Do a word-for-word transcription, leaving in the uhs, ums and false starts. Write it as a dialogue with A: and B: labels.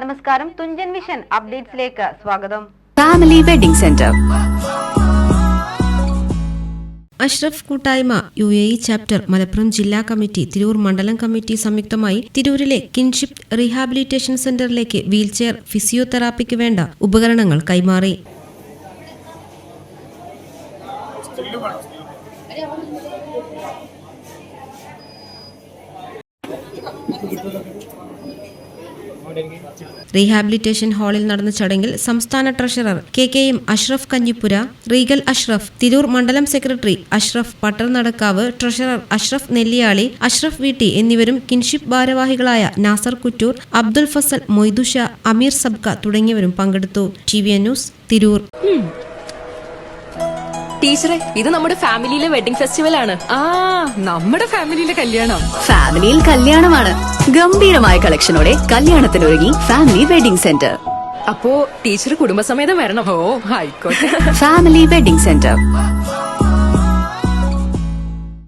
A: നമസ്കാരം, തുഞ്ചൻ വിഷൻ അപ്ഡേറ്റ്സിലേക്ക് സ്വാഗതം.
B: Family wedding centre.
C: Ashraf കൂട്ടായ്മ U A E chapter Malappuram ജില്ലാ കമ്മിറ്റി, തിരൂർ മണ്ഡലം കമ്മിറ്റി സംയുക്തമായി തിരൂരിലെ കിൻഷിപ്പ് റീഹാബിലിറ്റേഷൻ സെന്ററിലേക്ക് വീൽചെയർ, ഫിസിയോതെറാപ്പിക്ക് വേണ്ട ഉപകരണങ്ങൾ കൈമാറി. റീഹാബിലിറ്റേഷൻ ഹാളിൽ നടന്ന ചടങ്ങിൽ സംസ്ഥാന treasurer K K M Ashraf Kanhippura, Regal Ashraf, Tirur മണ്ഡലം സെക്രട്ടറി അഷ്റഫ് പട്ടർ നടക്കാവ്, ട്രഷറർ അഷ്റഫ് നെല്ലിയാളി, അഷ്റഫ് വീട്ടി എന്നിവരും കിൻഷിപ്പ് ഭാരവാഹികളായ നാസർ കുറ്റൂർ, അബ്ദുൽ ഫസൽ മൊയ്തുഷ, അമീർ സബ്ക തുടങ്ങിയവരും പങ്കെടുത്തു. T V N news, Tirur.
D: ടീച്ചറെ, ഇത് നമ്മുടെ ഫാമിലിയിലെ വെഡിങ് ഫെസ്റ്റിവൽ ആണ്.
E: ആ നമ്മുടെ ഫാമിലിയിലെ കല്യാണം.
B: ഫാമിലിയിൽ കല്യാണമാണ്. ഗംഭീരമായ കളക്ഷനോടെ കല്യാണത്തിനൊരുങ്ങി ഫാമിലി വെഡിംഗ് സെന്റർ.
D: അപ്പോ ടീച്ചർ കുടുംബസമേതം വരണം.
E: ഓ ആയിക്കോട്ടെ.
B: Family wedding centre.